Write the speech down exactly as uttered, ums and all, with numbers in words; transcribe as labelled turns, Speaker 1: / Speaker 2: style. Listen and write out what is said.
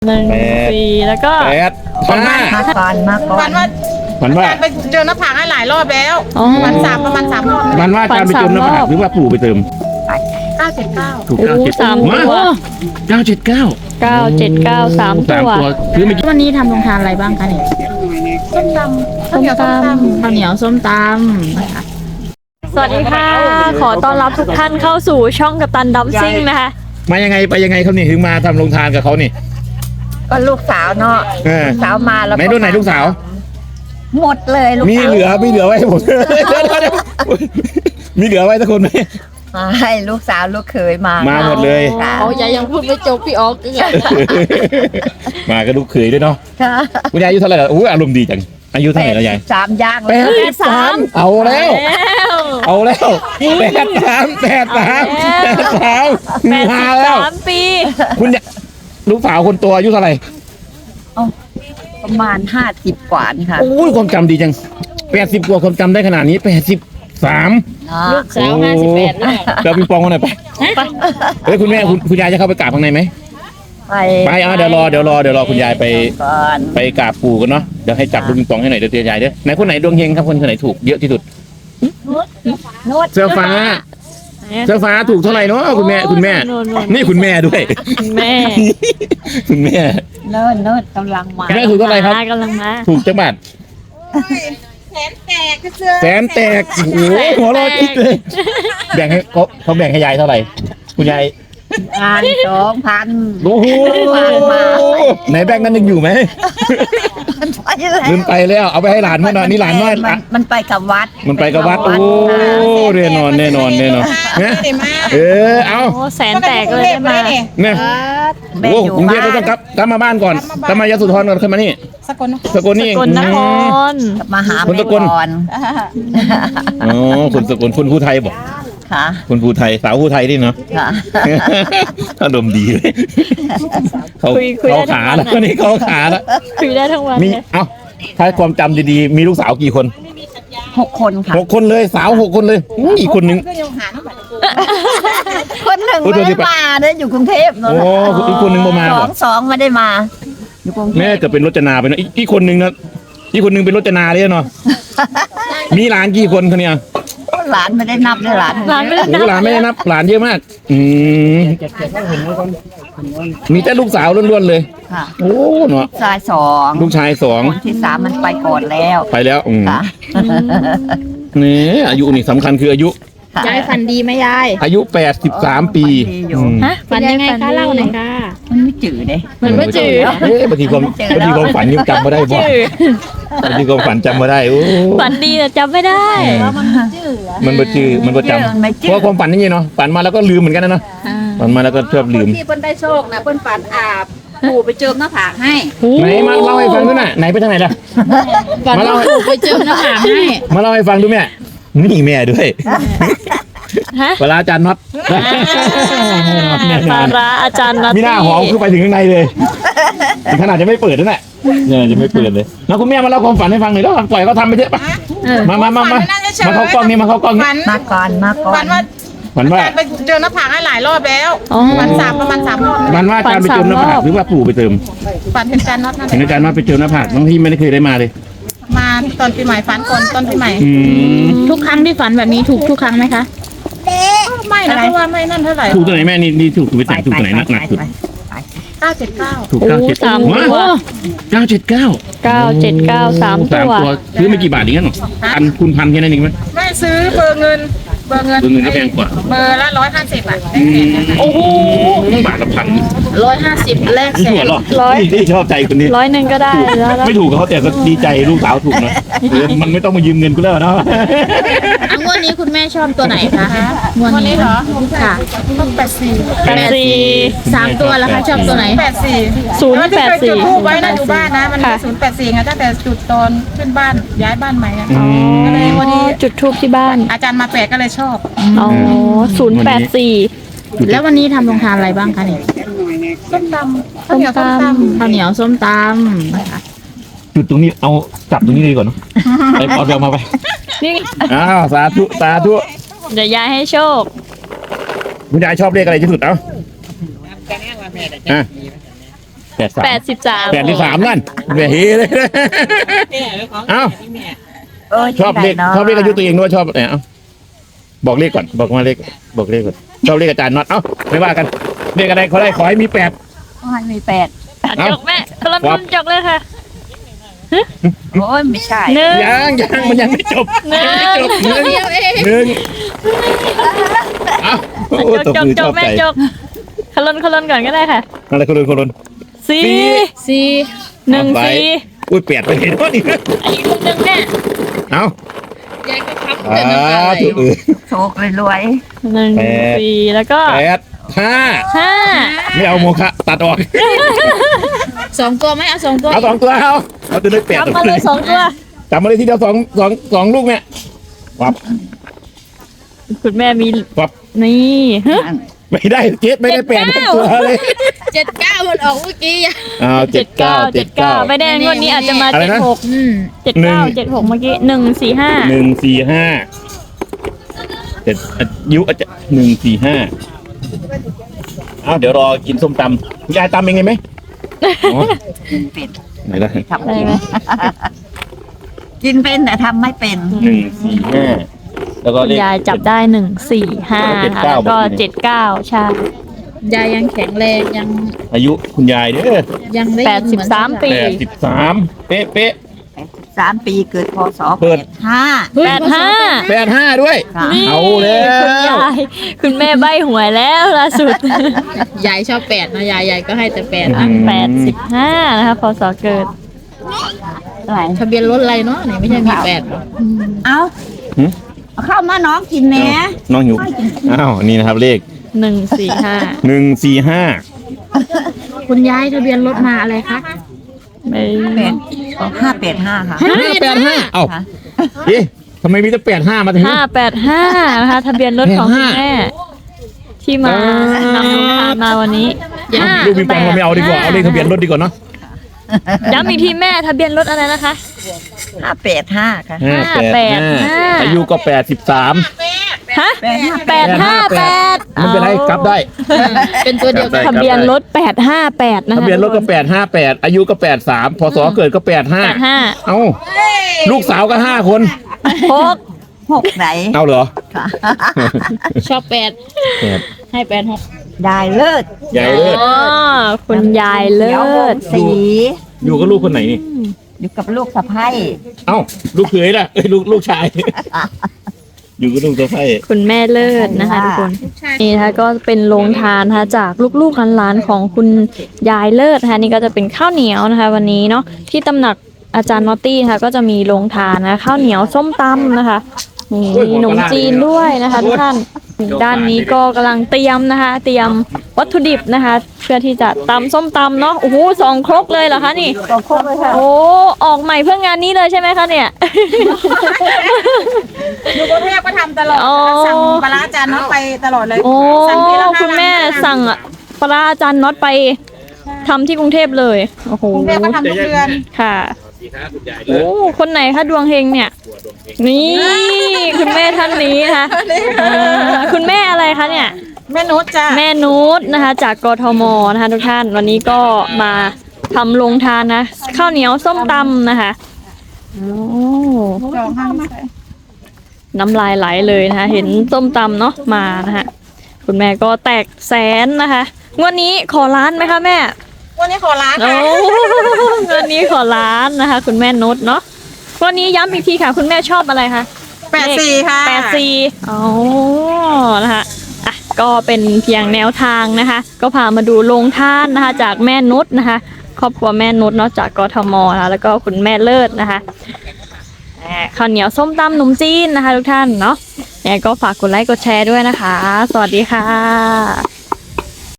Speaker 1: หนึ่งสี่แล้วก็
Speaker 2: แปดพันห้า
Speaker 3: มาก่อนมาก่อ
Speaker 4: ฝั
Speaker 3: น
Speaker 4: นว่า
Speaker 2: ฝันว่า
Speaker 4: ไปเจอหน้าผากให้หลายรอบแล้ว
Speaker 1: อ๋อ
Speaker 4: ฝันสามประมาณสามรอบ
Speaker 2: ฝันว่าอาจารย์ไปเติมน้ำผักหรือว่าปู่ไปเติม
Speaker 4: เก้าเจ็ดเก้า
Speaker 2: ถูก
Speaker 1: โอ้
Speaker 2: เก้าเจ็ด
Speaker 1: สามตัว
Speaker 2: เก้าเจ็ดเก้า
Speaker 1: เก้าเจ็ดเก้าสาม
Speaker 2: สาม
Speaker 1: ตัว
Speaker 2: ตัวคือไม่
Speaker 5: วันนี้ทำโรงทานอะไรบ้างคะเนี่ย
Speaker 4: ส้มตำข้าวเหนียวส้มตำ
Speaker 5: ข้าวเหนียวส้มตำนะคะ
Speaker 1: สวัสดีค่ะ ขอต้อนรับทุกท่านเข้าสู่ช่องกัปตันดัมซิ่งนะคะ
Speaker 2: มายังไงไปยังไงเขานี่ถึงมาทำโรงทานกับเขานี่
Speaker 3: ก็ลูกสาวเนาะ
Speaker 2: เออ
Speaker 3: ลูกสาวมาแล้ว
Speaker 2: ไหนรุ่นไหนลูกสาว
Speaker 3: หมดเลยลูก
Speaker 2: มี
Speaker 3: สาว
Speaker 2: เหลือมีเหลือไว้ให้ผม มีเหลือไว้สักคนไหม
Speaker 3: มาให้ลูกสาวลูกเขยมา
Speaker 2: มา
Speaker 3: มา
Speaker 2: หมดเลย
Speaker 3: ค่ะ
Speaker 5: เขายายยังพูดไม่จบพี่ออกเลย
Speaker 2: มากับลูกเขยด้วยเนาะ
Speaker 3: ค่ะ
Speaker 2: คุณยายอายุเท่าไหร่แล้วอู้อารมณ์ดีจังอายุเท่าไหร่แล้วยาย
Speaker 3: สามย่าง
Speaker 2: แป
Speaker 3: แล้ว
Speaker 2: ดสามเอาแล้ว
Speaker 1: แล้ว
Speaker 2: เอาแล้วแปดสามแปดสามแปดสาม
Speaker 1: แปด
Speaker 2: มา
Speaker 1: สิบ
Speaker 2: แล้ว
Speaker 1: สามปี
Speaker 2: คุณยายลูกสาวคนตัวอายุเท่าไหร่
Speaker 3: ประมาณห้าสิบกว่านี่ค่ะ
Speaker 2: โอ้ยความจำดีจังแปดสิบกว่าความจำได้ขนาดนี้แปดสิบสาม
Speaker 3: เนาะ
Speaker 5: ลูกสาวห้าสิบแปดแล้ว
Speaker 2: เดี๋ยวปิงปองมาหน่อยไปเฮ้ยคุณแม่คุณคุณยายจะเข้าไปกราบข้างในไหม
Speaker 3: ไป
Speaker 2: ไปอ่ะเดี๋ยวรอเดี๋ยวรอเดี๋ยวรอคุณยายไป
Speaker 3: ก่อน
Speaker 2: ไปกราบปู่กันเนาะเดี๋ยวให้จับลูกปิงปองให้หน่อยเดี๋ยวเตือนยายเด้อไหนคนไหนดวงเฮงครับคนไหนถูกเยอะที่สุด
Speaker 3: นวด
Speaker 2: เสื้อฟ้าเสื้อฟ้าถูกเท่าไหร่เนาะคุณแม่คุณแม่ นี่คุณแม่ด้วย
Speaker 1: คุณแม่
Speaker 2: คุณแม่
Speaker 3: เนินเนินกำลังมา
Speaker 2: คุณแม่ถูกเท่าไหร่ครับ
Speaker 1: กำลังมา
Speaker 2: ถูกจังบาท
Speaker 4: แขนแตกกระเสือ
Speaker 2: แสนแตกโอ้โหหัวเรอจิ๊กเลยแบ่งให้เขาเขาแบ่งให้ยายเท่าไหร่คุณยาย
Speaker 3: พันสองพัน
Speaker 2: โอ้โห
Speaker 3: มามา
Speaker 2: ไหนแบ่งนั้นยังอยู่ไหม
Speaker 3: ไปแล้ว
Speaker 2: ลืมไปแล้วเอาไปให้หลานมาหน่อยนี่หลานน้อย
Speaker 3: มั
Speaker 2: อ่ะ
Speaker 3: มันไปกับวัด
Speaker 2: มันไปกับวัดโอ้แน่นอนแน่นอนแน่นอน
Speaker 4: ไม่
Speaker 2: นะ
Speaker 4: ได้มา
Speaker 2: เออเอา
Speaker 1: โอ้แสนแตกเลยได้มา
Speaker 2: เนี่ย
Speaker 3: แม่
Speaker 2: โอ้
Speaker 3: อยู่
Speaker 2: กรุงเทพ
Speaker 3: บ้า
Speaker 2: เราต้อง
Speaker 3: น
Speaker 2: กลับกลับมาบ้านก่อนกลับมายโสธรก่อนขึ้นมานี่
Speaker 4: สกลนคร
Speaker 2: สกลนี่เอง
Speaker 1: กลนคร
Speaker 3: มาหา
Speaker 2: คน
Speaker 3: แม่
Speaker 2: สกล
Speaker 3: ก่อน
Speaker 2: อ๋อคนสกลคนภูไทยบอก
Speaker 3: ค่ะ
Speaker 2: คนภูไทยสาวภูไทยนี่เนาะ
Speaker 3: ค่ะ
Speaker 2: อารมณ์ดีเลยเขา
Speaker 1: คุยคุย
Speaker 2: เขา
Speaker 1: ได้ทั้
Speaker 2: ขาง
Speaker 1: วัน
Speaker 2: แล้ววันนี้เขาขาแล้ว
Speaker 1: คุยได้ทั้งวัน
Speaker 2: มี
Speaker 1: เลย
Speaker 2: เอ้าถ้าความจำดีๆมีลูกสาวกี่คน
Speaker 3: หกคนค่ะ
Speaker 2: หกคนเลยสาวหกคนเลยอุ๊ยอีกคนนึง
Speaker 4: ก็ยังหาน้ำบัตร
Speaker 3: คนหนึ่ง
Speaker 2: โอ้ย
Speaker 3: ไม่
Speaker 2: เดี๋
Speaker 3: ได้
Speaker 2: ยว
Speaker 3: มาเด้ออยู่กรุงเทพเนอะ
Speaker 2: โอ้อีกคนนึงบ่มา
Speaker 3: ส
Speaker 2: เหร
Speaker 3: อ
Speaker 2: อ
Speaker 3: งสองไม่ได้มา อยู่กรุงเท
Speaker 2: แม่
Speaker 3: พ
Speaker 2: จะเป็นรจนาไปเนอะอีกอีกคนนึงนะอีกคนนึงเป็นรจนาเลยเนาะมีหลานกี่คนคะเนี่ย
Speaker 3: หลานไม่ได้นับเลยหลาน
Speaker 1: ร้านไม่ได้
Speaker 2: โอ้หลานไม่ได้นับหลานเยอะมาก อืมมีแต่ลูกสาวล้วนๆเลย
Speaker 3: ค่ะ
Speaker 2: โอ้เนาะ
Speaker 3: ชายสอง
Speaker 2: ลูกชายสอง
Speaker 3: ที่สามมันไปก่อนแล้ว
Speaker 2: ไปแล้วอืม
Speaker 3: ค่ะ
Speaker 2: นี่อายุนี่สำคัญคืออายุ
Speaker 3: ค่ะ
Speaker 5: ยายฝันดีไหมยาย
Speaker 2: อายุแปดสิบสามปี
Speaker 3: ฝันดีอยู่
Speaker 2: อืม
Speaker 1: ฮะ
Speaker 5: ฝันยังไงคะเล่าหน่อยค่ะ
Speaker 3: มันไม่จืดเลย
Speaker 1: มันไม่จืด
Speaker 2: เอ๊ะบางทีความบางทีความฝันยังจำไม่ได้บ่
Speaker 1: จืด
Speaker 2: บางทีความฝันจำไม่ได้โอ้
Speaker 1: ฝันดีแต่จำไม่ได้
Speaker 2: มันบ่จือมันบ่จ
Speaker 3: มันไม่
Speaker 2: ำ
Speaker 3: จื
Speaker 2: เพ
Speaker 3: ด
Speaker 2: ราะความฝันนี่เนาะฝันมาแล้วก็ลืมเหมือนกันนะเนาะฝันมาแล้วก็ชอบลืม
Speaker 5: ที่เปิ้นได้โชคนะเปิ้นฝันอาบปู่ไปเจิมหน้าผากให้
Speaker 2: ไหนมาเล่าให้ฟังดูหน่อยไหนไปทางไหนล่ะ
Speaker 5: ฝัน
Speaker 2: มาเล่า
Speaker 5: ว่าปู่ไปเจิมหน้าผากให้
Speaker 2: มาเล่าให้ฟังดูแม่นี่แม่ด้วย
Speaker 1: ฮะ
Speaker 2: เวลาอาจารย์น็อตแน่น
Speaker 1: ป
Speaker 2: อ
Speaker 1: ลาน ร้าอาจารย์นัท
Speaker 2: มีหน้าหอมคือไปถึงข้างในเลยถึงขนาดจะไม่เปิดนั่นแหละเนี่ยจะไม่เปิดเลยแล้วคุณแม่มาเล่าความฝันให้ฟังหน่อยแล้วปล่อยเขาทำไปเถอะปะมามามามามาเข้ากล้องนี่มาเข้ากล้องนี่
Speaker 4: ฝัน
Speaker 3: มาก่อนมาก่อ
Speaker 4: ฝั
Speaker 3: น
Speaker 4: นว่า
Speaker 2: ฝันว่า
Speaker 4: ไปเจอหน้าผากให้หลายรอบแล้ว
Speaker 1: อ๋อ
Speaker 4: ฝันสามประมาณสามรอบ
Speaker 2: ฝันว่าอาจารย์ไปเจิมหน้าผากหรือว่าปู่ไปเติม
Speaker 4: ฝันเป็นการน็อตนั่นแห
Speaker 2: เห็น
Speaker 4: ละ
Speaker 2: อาจารย์ว่าไปเจิมหน้าผากบางที่ไม่ได้เคยได้มาเลย
Speaker 4: มาตอนปีใหม่ฝันก่อนตอนปีใหม่
Speaker 2: อืม
Speaker 5: ทุกครั้งที่ฝันแบบนี้ถูกทุกครั้งไหมคะ
Speaker 4: ไม่นะเพราะว่าไม่นั่นเท่าไหร่
Speaker 2: ถูกตัวไหนแม่นี่นี่ถูกถูกไปแต่งถูกตัวไหนหนักหนักสุด
Speaker 4: เก้าเจ็ดเก้า
Speaker 2: ถูก
Speaker 1: โอ้
Speaker 2: เก้าเจ็ด
Speaker 1: สามตัว
Speaker 2: เก้าเจ็ดเก้า
Speaker 1: เก้าเจ็ดเก้าสาม
Speaker 2: สาม
Speaker 1: ตัว
Speaker 2: ตัวซื้อไม่กี่บาทเองงั้นหรอพันคูณพันแค่นั้นเองไหม
Speaker 4: ไม่ซื้อเบอร์เงิน เบอร์เงิน
Speaker 2: เบอร์เงินก็แพงกว่า
Speaker 4: เบอร์ละร้อยห้าสิบอ่ะ
Speaker 2: อืมโอ้โหบาทละพัน
Speaker 5: ร้อยห้าสิบแลกแส
Speaker 2: หัวน หรอนี่นี่ชอบใจคนนี้
Speaker 1: ร้อยหนึ่งก็ได้แล้วแล้ว
Speaker 2: ไม่ถูกกับเขาแต่ก็ดีใจลูกสาวถูกนะเออมันไม่ต้องมายืมเงินกูแล้วเนาะ
Speaker 5: อ่ะงวดนี้คุณแม่ชอบตัวไหนคะงวด
Speaker 4: วัน
Speaker 5: นี้
Speaker 4: นี้เหรอ
Speaker 5: ค่ะ
Speaker 4: ต้องแปดสี่
Speaker 1: แปดสี่
Speaker 5: สามตัวแล้วคะชอบตัวไหน
Speaker 4: แปดสี่
Speaker 1: ศูนย์
Speaker 4: แล้วที่
Speaker 1: แปด
Speaker 4: เคย
Speaker 1: สี่
Speaker 4: จุดทูบไว้นะอยู่บ้านนะ มัน
Speaker 1: ค่ะ
Speaker 4: ศูนย์แปดสี่ไงตั้งแต่จุดตอนขึ้นบ้านย้ายบ้านใหม่อะ
Speaker 2: อืม
Speaker 4: ก็เลยวันนี้
Speaker 1: จุดทูบที่บ้าน
Speaker 4: อาจารย์มาแปลกก็เลยชอบ
Speaker 1: อ๋อศูนย์แปดสี่
Speaker 5: แล้ววันนี้ทำโรงทานอะไรบ้างคะเนี่ย
Speaker 4: ส้มตำข้าวเหนียวส้มตำ
Speaker 5: ข้าวเหนียวส้มตำนะคะ
Speaker 2: จุดตรงนี้เอาจับตรงนี้เลยก่อนเนาะไปเอาไปเอามาไป
Speaker 1: นี่
Speaker 2: อ้าวสาธุสาธุ
Speaker 1: เดี๋ยวยายให้โชค
Speaker 2: คุณยายชอบเลขอะไรที่สุดเอ้าอ่ะแปดสาม
Speaker 1: แปดสิบสาม
Speaker 2: แปดที่สามนั่นแหมเฮเลยเอ้า
Speaker 3: เออ
Speaker 2: ชอบเลข
Speaker 3: ที่ไหนนะ
Speaker 2: ชอบเลขอายุตัวเองด้วยชอบเนี่ยเอ้าบอกเลขก่อนบอกมาเลขบอกเลขก่อนชอบเลขอาจารย์น็อตเอ้าไม่ว่ากันเลขอะไรขอได้ขอให้มีแปด
Speaker 3: โอ้ยมีแปด
Speaker 1: จกแม่คนละ
Speaker 2: ครับ
Speaker 1: รุ่นจกเลยค่ะ
Speaker 3: โอ้ยไม่ใช่
Speaker 1: หนึ่ง
Speaker 2: ยังยังมันยังไม่จบ
Speaker 1: หนึ่ง
Speaker 2: ยังไม่จบหนึ่งหนึ่งเอ้าโอ้
Speaker 1: จ
Speaker 2: ต
Speaker 1: ก
Speaker 2: บ
Speaker 1: จก
Speaker 2: มือชอบ
Speaker 1: จกแม่
Speaker 2: ใจ
Speaker 1: จกคลนคลนก่อนก็ได้ค่ะ
Speaker 2: อะไรคนรุนคนรุน
Speaker 1: สี่
Speaker 5: สี่
Speaker 1: หนึ่ง
Speaker 2: ไป
Speaker 1: สี่
Speaker 2: อุ้ยแปดไปเห็นว่านี่
Speaker 1: อีกรุ่นหนึ่งแม่
Speaker 2: เอ้าย
Speaker 5: ายก็ทับ
Speaker 2: อ่า
Speaker 5: แต่น้ำตาไหล
Speaker 2: ถูกเออ
Speaker 3: โชครวย
Speaker 1: หนึ่ง
Speaker 2: แปด
Speaker 1: สี่แล้วก็
Speaker 2: แปดห้า
Speaker 1: ห้า
Speaker 2: ไม่เอาโมฆะตัดออก
Speaker 5: สองตัวไหมเอาสองตัว
Speaker 2: เอาสองตัวเอาเอาตัวเลขแปด
Speaker 1: จับมาเลยสองตัว
Speaker 2: จับมาเลยทีเดียวสองสองสองลูกเนี่ยวับ
Speaker 1: คุณแม่มี
Speaker 2: วับ
Speaker 1: นี่ฮะ
Speaker 3: ๆ
Speaker 2: ไม่ได้เจ็ดไม่ได้แปด
Speaker 1: เจ็ด
Speaker 2: ทั้ง
Speaker 1: เก้า
Speaker 2: ตัวเลย
Speaker 5: เจ็ดเก้ามันออกเมื่อกี้อะ
Speaker 2: เอาเจ็ดเก้าเจ็ดเก้า
Speaker 1: ไม่ได้งวดนี้อาจจะมา
Speaker 2: อะไร
Speaker 1: เจ็ด
Speaker 2: นะ
Speaker 1: หก
Speaker 5: อืม
Speaker 1: เจ็ดเก้าเจ็ดหกเมื่อกี้หนึ่งสี่ห้า
Speaker 2: หนึ่งสี่ห้าเจ็ดอายุอาจจะหนึ่งสี่ห้าเอาเดี๋ยวรอกินส้มตำคุณยายตำเองไงไหมอ๋อ
Speaker 3: กินเป็น
Speaker 2: ไหนได้
Speaker 3: ทำ
Speaker 1: ได้
Speaker 3: เป็น
Speaker 1: ไหม
Speaker 3: กินเป็นแต่ทำไม่เป็น
Speaker 2: หนึ่งสี่ห้าแล้วก็
Speaker 1: คุณ
Speaker 2: เลข
Speaker 1: ยายจับได้หนึ่งสี่ห้า
Speaker 2: เจ็ด
Speaker 1: ค่ะ
Speaker 2: เก้า
Speaker 1: แล้วก็
Speaker 2: บอกที
Speaker 1: เจ็ดเก้าใช่
Speaker 5: ยายยังแข็งแรงยัง
Speaker 2: อายุคุณยายเด้อ
Speaker 5: ยังได้
Speaker 1: แป
Speaker 5: ยิ
Speaker 1: ด
Speaker 5: น
Speaker 1: สิบ
Speaker 5: เหมือน
Speaker 1: สามปี
Speaker 2: แปดสิบสามเป๊ะเป๊ะ
Speaker 3: สามปีเกิดพศ
Speaker 2: เปิ
Speaker 3: แป
Speaker 2: ด
Speaker 3: ดห้า
Speaker 1: แปดห้า
Speaker 2: แปดห้าด้วย
Speaker 3: ค่ะ
Speaker 1: นี่
Speaker 2: เอาแล้ว
Speaker 1: คุณยายคุณแม่ใบหวยแล้วล่าสุด
Speaker 5: ยายชอบแปดนะยายยายก็ให้แต่แปด
Speaker 2: อื
Speaker 5: อ่ะ
Speaker 2: ม
Speaker 1: แปดสิบห้านะคะพศเกิด
Speaker 3: อะไร
Speaker 5: ทะเบียนรถอะไรเนาะนี่ไม่ใช่มีแปดหรอ
Speaker 3: เอา
Speaker 2: หืม
Speaker 3: เอาเข้ามาน้องกินแหม่
Speaker 2: น้องหิวอ้าวนี่นะครับเลข
Speaker 1: หนึ่งสี่ห้า
Speaker 2: หนึ่งสี่ห้า
Speaker 5: คุณยายทะเบียนรถมาอะไรคะ
Speaker 1: ไม่
Speaker 3: แปดห้าแปดห้าค่ะ
Speaker 2: ห้าแปดห้าเอ้า
Speaker 3: ค่ะ
Speaker 2: เอ๊ะทำไมมีแต่แปดห้ามาถึง
Speaker 1: ห้าแปดห้านะคะทะเบียนรถของคุณแม่ที่มานำลงทานมาวันนี้ห้า
Speaker 2: ลูกปิงปองเราไม่เอาดีกว่า เอาเลขทะเบียนรถดีกว่าเนาะ
Speaker 1: ย้ำอีกทีแม่ทะเบียนรถอะไรนะคะ
Speaker 3: ห้าแปดห้าค่ะ
Speaker 2: ห้าแปดห้าอายุก็แปดสิบสาม
Speaker 1: ฮะแปดห้าแปด
Speaker 2: ไม่เป็นไรกลับได้
Speaker 5: เป็นตัวเดียวกัน
Speaker 1: ทะเบียนรถแปดห้าแปดนะคะ
Speaker 2: ทะเบียนรถก็แปดห้าแปดอายุก็แปดสามพศเกิดก็แปดห้า
Speaker 1: แปดห้า
Speaker 2: เอ้าลูกสาวก็ห้าคน
Speaker 1: หก
Speaker 3: หกไหน
Speaker 2: เอาเหรอ
Speaker 3: ค่ะ
Speaker 5: ชอบแปด
Speaker 2: แปด
Speaker 5: ให้แปดหก
Speaker 3: ได้เลิศ
Speaker 2: ใหญ่เลิศ
Speaker 1: อ๋อคุณยายเลิ
Speaker 3: ขียวว
Speaker 1: ศ
Speaker 3: งสี
Speaker 2: อยู่กับลูกคนไหนนี่
Speaker 3: อยู่กับลูกสะใภ้
Speaker 2: เอ้าลูกเขยล่ะเอ้ยลูกลูกชาย อยู่กับลูกสะใภ้
Speaker 1: คุณแม่เลิศนะคะทุกคนนี่นะคะก็เป็นโรงทานนะคะจากลูกๆหลานๆของคุณยายเลิศนะคะนี่ก็จะเป็นข้าวเหนียวนะคะ วันนี้เนาะที่ตำหนักอาจารย์นอตตี้นะคะก็จะมีโรงทานนะข้าวเหนียวส้มตำนะคะนี่มีขนมจีนด้วยนะคะทุกท่านด้านนี้ก็กำลังเตรียมนะคะ เตรียมวัตถุดิบนะคะ เพื่อที่จะตำส้มตำเนาะโอ้โหสองครกเลยเหรอคะนี่
Speaker 3: ตัวโคกเลยค่ะ
Speaker 1: โอ้ออกใหม่เพื่องานนี้เลยใช่ไหมคะเนี่ย
Speaker 4: อยู่กรุงเทพก็ทำตลอด
Speaker 1: อ๋อ
Speaker 4: สั่งปลาร้าจานน้องไปตลอดเลย
Speaker 1: โอ้
Speaker 4: สั่งทีละห้า
Speaker 1: คุณแม่
Speaker 4: วัน
Speaker 1: สั่งปลาร้าอาจารย์น็อตไปทำที่กรุงเทพเลยโอ้โห
Speaker 4: กรุงเทพก็ทำทุกเดือน
Speaker 1: ค่ะโอ้คนไหนคะดวงเฮงเนี่ย นี่คุณแม่ท่านนี้นะคะอ่าคุณแม่อะไรคะเนี่ย
Speaker 4: แม่นุชจ้ะ
Speaker 1: แม่นูตนะคะ จากกทมนะคะทุกท่านวันนี้ก็มาทำโรงทานนะข้าวเหนียวส้มตำนะคะโอ้
Speaker 4: จองห้างมา
Speaker 1: น้ำลายไหลเลยนะคะ เห็นส้มตำเนาะมานะคะคุณแม่ก็แตกแสนนะคะงวดนี้ขอล้านไหมคะแม่
Speaker 4: วันนี้ขอร้าน
Speaker 1: โอ้
Speaker 4: ค่ะ
Speaker 1: งวดนี้ขอล้านนะคะ คุณแม่นุชเนาะวันนี้ย้ำอีกทีค่ะ คุณแม่ชอบอะไรคะ
Speaker 4: แปดสี่ค่ะ
Speaker 1: แปดสี่อ๋อนะคะอ่ะก็เป็นเพียงแนวทางนะคะ ก็พามาดูโรงทานนะคะ จากแม่นุชนะคะ ครอบครัวแม่นุชเนาะจากกทมนะคะแล้วก็คุณแม่เลิศนะคะอ่าข้าวเหนียวส้มตำหนมจีนนะคะ ทุกท่านเนาะยังไงก็ฝากกดไลค์กดแชร์ด้วยนะคะ สวัสดีค่ะ